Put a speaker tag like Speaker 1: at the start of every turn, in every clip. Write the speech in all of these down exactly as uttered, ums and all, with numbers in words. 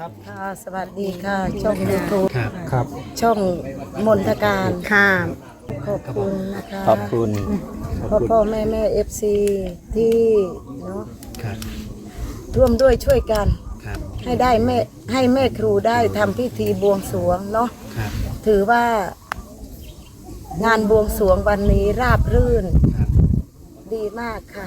Speaker 1: ครับค่ะสวัสดีค่ะช่องยูทูบ
Speaker 2: ครับครับ
Speaker 1: ช่องมนทการค่ะขอบคุณนะคะ
Speaker 3: ขอบคุณ
Speaker 1: พ่อพ่อแม่แม่เอฟซีที่เนาะ
Speaker 2: ครับ
Speaker 1: ร่วมด้วยช่วยกัน
Speaker 2: ครับ
Speaker 1: ให้ได้แม่ให้แม่ครูได้ทำพิธีบวงสรวงเนาะ
Speaker 2: ครับ
Speaker 1: ถือว่างานบวงสรวงวันนี้ราบรื่น
Speaker 2: ครับ
Speaker 1: ดีมากค่ะ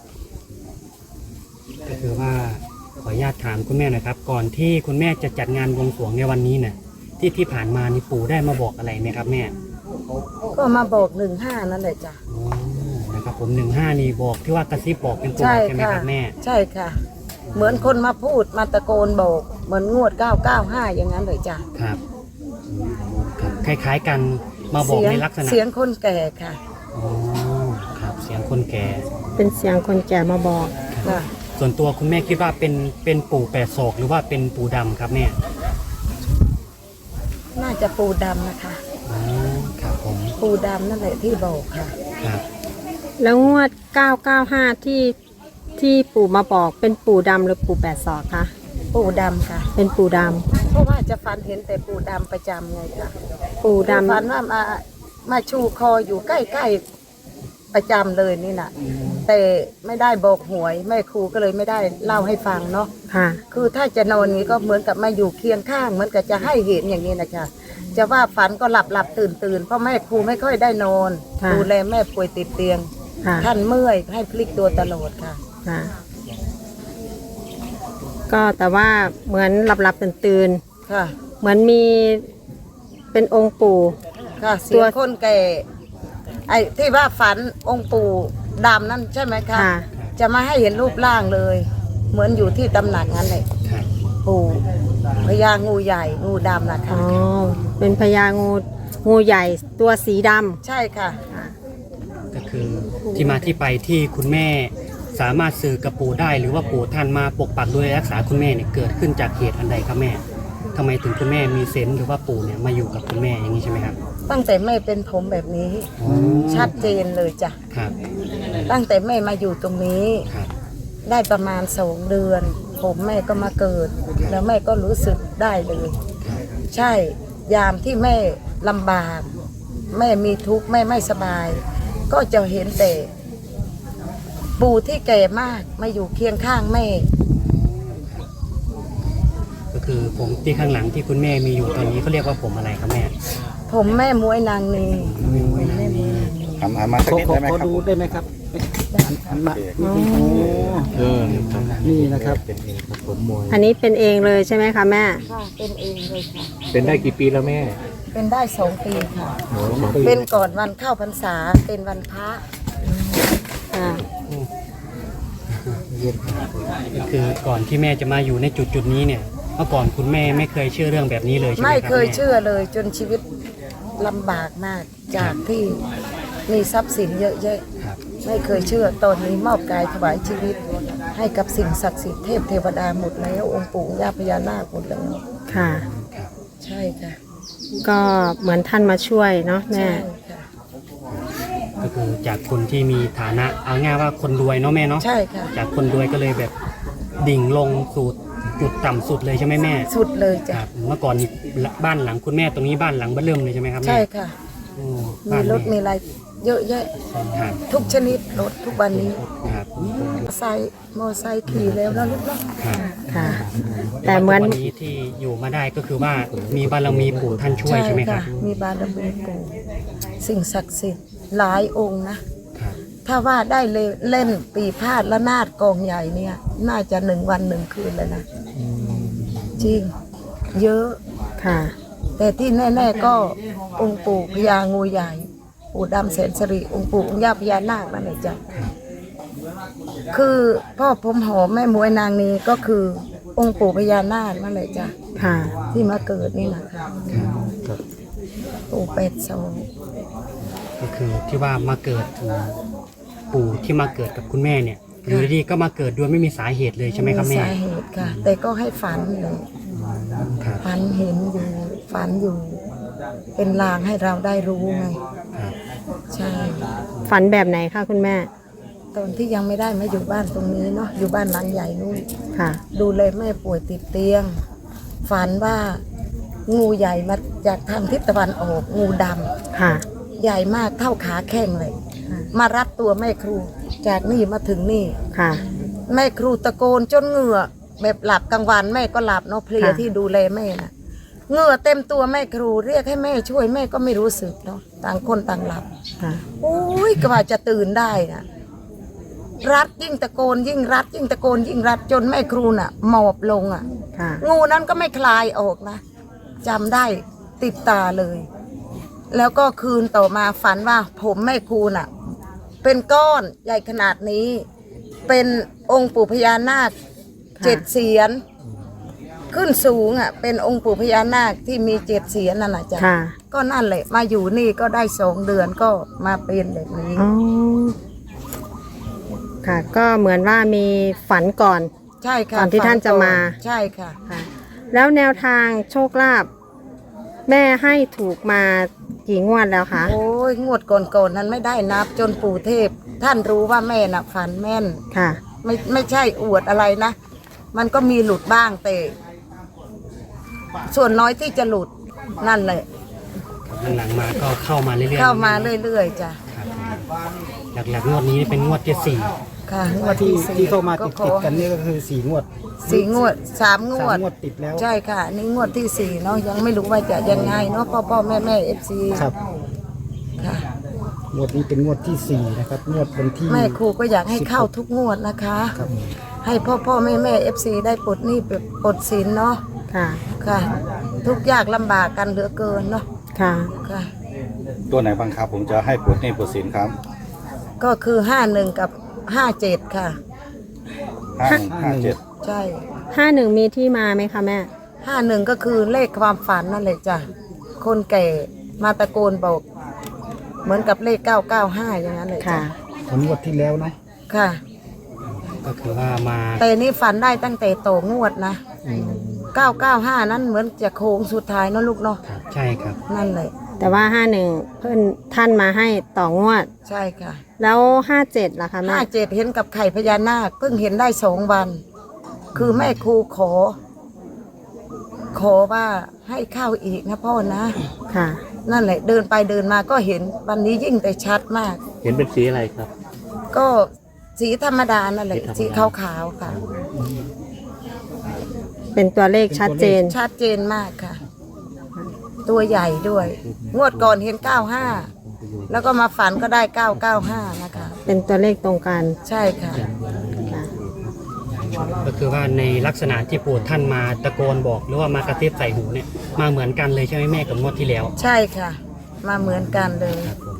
Speaker 2: ก็คือว่าขออนุญาตถามคุณแม่หนะครับ ก่อนที่คุณแม่จะจัดงานบวงสรวงในวันนี้เนี่ยที่ที่ผ่านมานี่ปู่ได้มาบอกอะไรไหมครับแม่
Speaker 1: ก็มาบอกหนึ่งห้านั่นแหละจ้ะ
Speaker 2: อ๋อนะครับผมหนึ่งห้านี่บอกที่ว่ากระซิบบอกเป็นตัว
Speaker 1: ใช่
Speaker 2: ใช่ไหม
Speaker 1: ค่ะ
Speaker 2: ครับแม่
Speaker 1: ใช่ค่ะ เหมือนคนมาพูดมาตะโกนบอกเหมือนงวดเก้าเก้าห้าอย่างนั้นเลยจ้ะ
Speaker 2: ครับอืมครับคล้ายๆกันมาบอก
Speaker 1: เสียง
Speaker 2: ในลักษณะ
Speaker 1: เสียงคนแก่ค่ะ
Speaker 2: อ๋อครับเสียงคนแก่
Speaker 4: เป็นเสียงคนแก่มาบอก
Speaker 1: ค่ะ
Speaker 2: ส่วนตัวคุณแม่คิดว่าเป็นเป็นปู่แปดศอกหรือว่าเป็นปู่ดำครับแม่
Speaker 1: น่าจะปูดำนะคะ
Speaker 2: อ๋อครับผม
Speaker 1: ปูดำนั่นแหละที่บอกค่ะ
Speaker 2: ครับ
Speaker 4: แล้วงวดเก้าเก้าห้าที่ที่ปู่มาบอกเป็นปู่ดำหรือปู่แปดศอกคะ
Speaker 1: ปูดำค่ะ
Speaker 4: เป็นปู่ด
Speaker 1: เพราะว่าจะฟันเห็นแต่ปูดำประจำไงค่ะ
Speaker 4: ำปู่ด
Speaker 1: ฟันว่ามามาชูคออยู่ใกล้ๆประจำเลยนี่น่ะ แต่ไม่ได้บอกหวยแม่ครูก็เลยไม่ได้เล่าให้ฟังเนาะ
Speaker 4: ำค่ะ
Speaker 1: คือถ้าจะนอนนี้ก็เหมือนกับมาอยู่เคียงข้างเหมือนกับจะให้เห็นอย่างนี้นะจ๊ะจะว่าฝันก็หลับหลับตื่นตื่นเพราะแม่ครูไม่ค่อยได้นอน
Speaker 4: ค่ะ
Speaker 1: ดูแลแม่ป่วยติดเตียง
Speaker 4: ค่ะ
Speaker 1: ท่านเมื่อยให้พลิกตัวตลอดค่ะ
Speaker 4: ค่ะ ก็แต่ว่าเหมือนหลับหลับตื่นตื่น
Speaker 1: ค่ะ
Speaker 4: ๆเหมือนมีเป็นองค์ปู่
Speaker 1: ค่ะเสียงคนแก่ไอ้ที่ว่าฝันองค์ปู่ดำนั่นใช่ไหมคะ
Speaker 4: ค่ะ
Speaker 1: จะมาให้เห็นรูปร่างเลย เหมือนอยู่ที่ตำหนักนั้นเลย
Speaker 2: ครับ
Speaker 1: ปู่พญางูใหญ่งูดำนะ
Speaker 4: อ๋
Speaker 1: คะ
Speaker 4: อเป็นพญางูงูใหญ่ตัวสีด
Speaker 1: ใช่ค่ะ
Speaker 2: ก็คือที่มาที่ไปที่คุณแม่สามารถสื่อกับปู่ได้ หรือว่าปู่ท่านมาปกปักดูแลรักษาคุณแม่เนี่ยเกิดขึ้นจากเหตุอันใดครับแม่ทำไมถึงคุณแม่มีเซนส์หรือว่าปู่เนี่ยมาอยู่กับคุณแม่อย่างนี้ใช่ไหมครับ
Speaker 1: ตั้งแต่แม่เป็นผมแบบนี้
Speaker 2: อ๋อ
Speaker 1: ชัดเจนเลยจ้ะ
Speaker 2: ครับ
Speaker 1: ตั้งแต่แม่มาอยู่ตรงนี้
Speaker 2: ครับ
Speaker 1: ได้ประมาณสองเดือน ผมแม่ก็มาเกิด แล้วแม่ก็รู้สึกได้เลย
Speaker 2: ครับ
Speaker 1: ใช่ยามที่แม่ลำบาก แม่มีทุกข์แม่ไม่สบาย ก็จะเห็นแต่ปู่ที่แก่มากมาอยู่เคียงข้างแม่
Speaker 2: ก็คือผมที่ข้างหลังที่คุณแม่มีอยู่ตอนนี้เขาเรียกว่าผมอะไรครับแม่
Speaker 1: ผมแม่มวยนางนี
Speaker 3: ทำอามาสัก
Speaker 5: ขอ
Speaker 3: นิด
Speaker 5: ขอ
Speaker 3: ได้ไหม
Speaker 5: ขอ
Speaker 3: ครับ
Speaker 5: ดูได้ไหมครับหันหันมาโอ้เออนี่นะครับ
Speaker 4: ำอันนี้เป็นเองเลยใช่ไหมคะแม่
Speaker 1: ค่ะเป็นเองเลยค่ะ
Speaker 5: เป็นได้กี่ปีแล้วแม่
Speaker 1: เป็นได้สองปีค่ะ
Speaker 5: โอ้สองปี
Speaker 1: เป็นก่อนวันเข้าพรรษาเป็นวันพระ
Speaker 4: ค่ะ
Speaker 2: ก็คือก่อนที่แม่จะมาอยู่ในจุดจุดๆนี้เนี่ยเมื่อก่อนคุณแม่ไม่เคยเชื่อเรื่องแบบนี้เลยใช่ไหมครับ
Speaker 1: ไม่เคย
Speaker 2: แม่
Speaker 1: เชื่อเลยจนชีวิตลำบากมากจากที่มีทรัพย์สินเยอะแยะ
Speaker 2: ครับ
Speaker 1: ไม่เคยเชื่อตอนนี้มอบกายถวายชีวิต ให้กับสิ่งศักดิ์สิทธิ์เทพเทวดาหมดแล้วองค์ปู่ย่าพญานาคหมดแล้ว
Speaker 4: ค่ะ
Speaker 1: ใช่ค่ะ
Speaker 4: ก็เหมือนท่านมาช่วยเนาะแม่
Speaker 1: ใช่ค่ะ
Speaker 2: ก็คือจากคนที่มีฐานะเอาง่ายว่าคนรวยเนาะแม่เนาะ
Speaker 1: ใช่ค่ะ
Speaker 2: จากคนรวยก็เลยแบบดิ่งลงสู่จุดต่ำสุดเลยใช่ไหมแม่
Speaker 1: สุดเลย
Speaker 2: ค
Speaker 1: จ้ะ
Speaker 2: รับเมื่อก่อนนี่บ้านหลังคุณแม่ตรงนี้บ้านหลังเบ้อเริ่มเลยใช่ไหมครับแม่
Speaker 1: ใช่ค่ะ
Speaker 2: โอ้
Speaker 1: มี
Speaker 2: บ้าน
Speaker 1: รถ
Speaker 2: แ
Speaker 1: มีอะไรเยอะแยะ
Speaker 2: ครับ
Speaker 1: ทุกชนิดรถทุกวันนี้
Speaker 2: ครับ
Speaker 1: ไซค์มอไซค์ขี่แล้วนะลูกเนาะ
Speaker 2: ครับ
Speaker 4: ค่ะ แต่เหมือน
Speaker 2: วันนี้ที่อยู่มาได้ก็คือว่ามีบารมีปู่ท่านช่วยใช่ไหมครับ
Speaker 1: มีบารมีปู่สิ่งศักดิ์สิทธิ์หลายองค์นะครับ ถ้าว่าได้เล่นปีพาดและนาดกองใหญ่เนี่ย น่าจะหนึ่งวันหนึ่งคืนเลยนะจริง เยอะ
Speaker 4: ค่ะ
Speaker 1: แต่ที่แน่ๆก็องค์ปู่พญางูใหญ่ ปู่ดำแสนสิริองค์ปู่องค์ย่าพญานาคนั่นแหละจ้ะคือพ่อผมหอมแม่มวยนางนี้ก็คือองค์ปู่พญานาคนั่นแหละจ้ะ
Speaker 4: ค่ะ
Speaker 1: ที่มาเกิดนี่นะคะปู่เป็ดโซ
Speaker 2: ก็คือที่ว่ามาเกิดปู่ที่มาเกิดกับคุณแม่เนี่ยอยู่ดีๆก็มาเกิดโดยไม่มีสาเหตุเลยใช่ไหมครับแม่
Speaker 1: สาเหตุค่ะ แต่ก็ให้ฝันเลย
Speaker 2: ครับ
Speaker 1: ฝันเห็นอยู่ฝันอยู่ เป็นลางให้เราได้รู้ไง
Speaker 2: ครับ
Speaker 1: ใช่
Speaker 4: ฝันแบบไหนคะคุณแม่
Speaker 1: ตอนที่ยังไม่ได้มาอยู่บ้านตรงนี้เนาะอยู่บ้านหลังใหญ่นู่น
Speaker 4: ค่ะ
Speaker 1: ดูแลแม่ป่วยติดเตียงฝันว่างูใหญ่มาจากทางทิศตะวันออกงูดำ
Speaker 4: ค่ะ
Speaker 1: ใหญ่มากเท่าขาแข้งเลย มารัดตัวแม่ครูจากนี่มาถึงนี่
Speaker 4: ค่ะ
Speaker 1: แม่ครูตะโกนจนเหงื่อแบบหลับกลางวันแม่ก็หลับเนาะเพลีย
Speaker 4: ค่ะ
Speaker 1: ที่ดูแลแม่น่ะเหงื่อเต็มตัวแม่ครูเรียกให้แม่ช่วยแม่ก็ไม่รู้สึกเนาะต่างคนต่างหลับ
Speaker 4: ค่ะ
Speaker 1: โอ้ยกว่าจะตื่นได้นะรัดยิ่งตะโกนยิ่งรัด ยิ่งตะโกนยิ่งรัดจนแม่ครูน่ะหมอบลงอ่ะ
Speaker 4: ค่ะ
Speaker 1: งูนั้นก็ไม่คลายออกนะจำได้ติดตาเลย แล้วก็คืนต่อมาฝันว่าผมแม่ครูน่ะ เป็นก้อนใหญ่ขนาดนี้ เป็นองค์ปู่พญานาค
Speaker 4: ค่ะ
Speaker 1: เจ็ดเสียนขึ้นสูงอ่ะ เป็นองค์ปู่พญานาคที่มีเจ็ดเสียนนั่นแหละจ้ะ
Speaker 4: ค่ะ
Speaker 1: ก็นั่นแหละ มาอยู่นี่ก็ได้สองเดือนก็มาเป็นแบบนี้
Speaker 4: อ๋อ ค่ะ ก็เหมือนว่ามีฝันก่อน
Speaker 1: ใช่ค่ะ
Speaker 4: ก่อนที่ท่านจะมา
Speaker 1: ใช่ค่ะ
Speaker 4: ค่ะ แล้วแนวทางโชคลาภแม่ให้ถูกมากี่งวดแล้วคะ
Speaker 1: โอ้ยงวดก่อนๆนั้นไม่ได้นับจนปู่เทพ ท่านรู้ว่าแม่น่ะฝันแม่น
Speaker 4: ค่ะ
Speaker 1: ไม่ไม่ใช่อวดอะไรนะ มันก็มีหลุดบ้างแต่ ส่วนน้อยที่จะหลุดนั่นแหละ
Speaker 2: หลังๆมาก็เข้ามาเรื่อยๆ
Speaker 1: เข้ามาเรื่อยๆจ้ะ
Speaker 2: ครับหลักๆงวดนี้เป็นงวดที่สี่
Speaker 1: ค่ะงวด
Speaker 5: ที่
Speaker 1: ที่สี่
Speaker 5: ที่เข้ามาติด
Speaker 1: ข
Speaker 5: ติ
Speaker 1: อ
Speaker 5: ดกันนี่ก็คือสี่งวด
Speaker 1: สี่งวดสามง
Speaker 5: สาว ม
Speaker 1: ด
Speaker 5: งวดติดแล้ว
Speaker 1: ใช่ค่ะอันนี่งวดที่สี่เนาะยังไม่รู้ว่าจะยังไงเนาะพ่อพ่อแม่แม่เอฟซี
Speaker 5: ครับ
Speaker 1: ค่ะ
Speaker 5: งวดนี้เป็นงวดที่สี่นะครับงวดวันที่
Speaker 1: แม่ครูก็อยากให้เข้าทุกงวดนะคะ
Speaker 5: ครับ
Speaker 1: ให้พ่อพ่อแม่แม่เอฟซีได้ปลดหนี้ปลดสินเนาะ
Speaker 4: ค่ะ
Speaker 1: ค่ะ ทุกยากลำบากกันเหลือเกินเนาะ
Speaker 4: ค่ะ
Speaker 1: ค่ะ
Speaker 3: ตัวไหนบ้างครับผมจะให้ปวดนี่ปวดสินครับ
Speaker 1: ก็คือห้าหนึ่งกับห้าเจ็ดค่ะ
Speaker 3: ห้าหนึ่งห้าเจ็ด
Speaker 1: ใช่
Speaker 4: ห้าหนึ่งมีที่มาไหมคะแม่
Speaker 1: ห้าหนึ่งก็คือเลขความฝันนั่นแหละจ้ะคนแก่มาตะโกนบอก เหมือนกับเลขเก้าเก้าห้าอย่างนั้นเลยจ้ะ
Speaker 4: ค่ะ
Speaker 5: ของงวดที่แล้วเนาะ
Speaker 1: ค่ะ
Speaker 2: ก็คือว่ามา
Speaker 1: แต่นี่ฝันได้ตั้งแต่โตงวดนะเก้าเก้าห้านั้นเหมือนจะโค้งสุดท้ายเนอะลูกเนาะ
Speaker 2: ครับใช่ครับ
Speaker 1: นั่นเลย
Speaker 4: แต่ว่าห้าหนึ่งเพื่อนท่านมาให้ต่องวด
Speaker 1: ใช่ค่ะ
Speaker 4: แล้วห้าเจ็ดล่ะคะแม่
Speaker 1: ห้าเจ็ดเห็นกับไข่พญานาคเพิ่งเห็นได้สองวัน คือแม่ครูขอ ขอว่าให้เข้าอีกนะพ่อนะ
Speaker 4: ค่ะ
Speaker 1: นั่นแหละเดินไปเดินมาก็เห็นวันนี้ยิ่งแต่ชัดมาก
Speaker 6: เห็นเป็นสีอะไรครับ
Speaker 1: ก็สีธรรมดานั่นแหละ
Speaker 6: สี
Speaker 1: สี
Speaker 6: ธรรม
Speaker 1: ขา
Speaker 6: ดา
Speaker 1: วๆค่ะ
Speaker 4: เป็นตัวเลขชัดเจน
Speaker 1: ชัดเจนมากค่ะ ตัวใหญ่ด้วย งวดก่อนเห็นเก้าห้าแล้วก็มาฝันก็ได้เก้าเก้าห้านะคะ
Speaker 4: เป็นตัวเลขตรงกัน
Speaker 1: ใช่ค่ะ
Speaker 4: ค่ะ
Speaker 2: ก็คือว่าในลักษณะที่ปู่ท่านมาตะโกนบอกหรือว่ามากระซิบใส่หูเนี่ยมาเหมือนกันเลยใช่ไหมแม่กับงวดที่แล้ว
Speaker 1: ใช่ค่ะ มาเหมือนกันเลย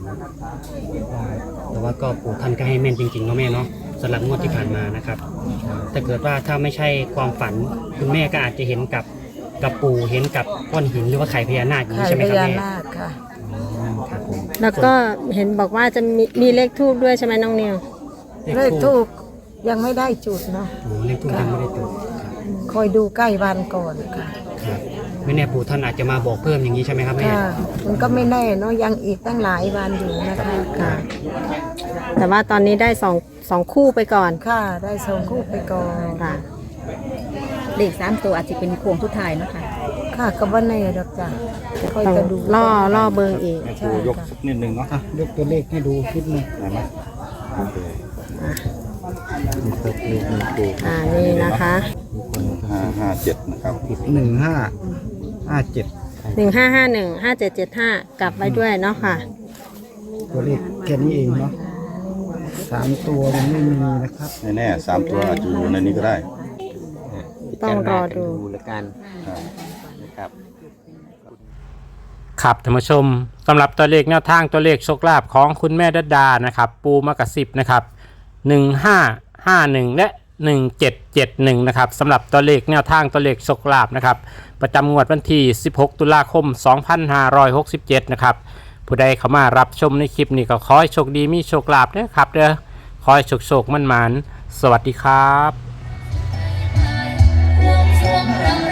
Speaker 2: แต่ว่าก็ปู่ท่านก็ให้แม่นจริงๆเนาะแม่เนาะสำหรับงวดที่ผ่านมานะครับถ้าเกิดว่าถ้าไม่ใช่ความฝันคุณแม่ก็อาจจะเห็นกับกับปู่เห็นกับก้อนหินหรือว่าไข่พญานาคอย่าง
Speaker 1: ไข่
Speaker 2: นี้ใช่ไหม
Speaker 1: พ
Speaker 2: ครับ
Speaker 1: ญา
Speaker 2: แม่
Speaker 1: นาคค่ะ
Speaker 2: ครับผม
Speaker 4: แล้วก็เห็นบอกว่าจะมีมีเลขทูบด้วยใช่ไหมน้องนิว
Speaker 1: เลขทูกยังไม่ได้จุดเนาะ
Speaker 2: โอ้เลขทูบยังไม่ได้จุดครับ
Speaker 1: คอยดูใกล้วันก่อนค่ะ
Speaker 2: ครับไม่แน่ปู่ท่านอาจจะมาบอกเพิ่มอย่างนี้ใช่ไหมครับแม่
Speaker 1: ค่ะ มันก็ไม่แน่เนาะยังอีกตั้งหลายวันอยู่นะคะ
Speaker 4: ค่ะ แต่ว่าตอนนี้ได้สองสองคู่ไปก่อน
Speaker 1: ค่ะได้ส่งคู่ไปก่อน
Speaker 4: ค่ะ
Speaker 7: เลขสามตัวอาจจะเป็นโค้งทุดท้ายเนาะค่ะ
Speaker 1: ค่ะก็ว่าแน่ดอกจ้ะคอย
Speaker 4: ต้อง
Speaker 1: จะดู
Speaker 4: ล่อล่อเบิงอีก
Speaker 3: แม่ครูยกสักนิดนึงเนาะ
Speaker 5: อ่ะยกตัวเลขให้ดูนิดนึง
Speaker 3: ได้ไหมโอเค
Speaker 4: อ่า นี่นะคะ
Speaker 3: ห้าห้าเจ็ดนะครับ
Speaker 5: หนึ่งห้าห้าเจ็ด
Speaker 4: หนึ่งห้าห้าหนึ่งห้าเจ็ดเจ็ดห้ากลับไว้ด้วยเนาะค่ะ
Speaker 5: ตัวเลขแค่นี้เองเนาะสามตัวยังไม่มีนะครับ
Speaker 3: แน่ๆสามตัวอาจจะอยู่ในนี้ก็ได้
Speaker 4: ต้องรอดู
Speaker 6: แล้วกัน
Speaker 3: ครับ
Speaker 6: นะครับ
Speaker 8: ครับท่านผู้ชมสำหรับตัวเลขแนวทางตัวเลขโชคลาภของคุณแม่ดัดดานะครับปูมากระสิบนะครับหนึ่งห้าห้าหนึ่งและหนึ่งเจ็ดเจ็ดหนึ่งนะครับสำหรับตัวเลขแนวทางตัวเลขโชคลาภนะครับประจำงวดวันที่สิบหกตุลาคมสองพันห้าร้อยหกสิบเจ็ดนะครับผู้ใดเข้ามารับชมในคลิปนี้ก็ขอให้โชคดีมีโชคลาภนะครับเด้อขอให้โชคโชคมั่นหมานสวัสดีครับ
Speaker 9: รวมช่วงเรา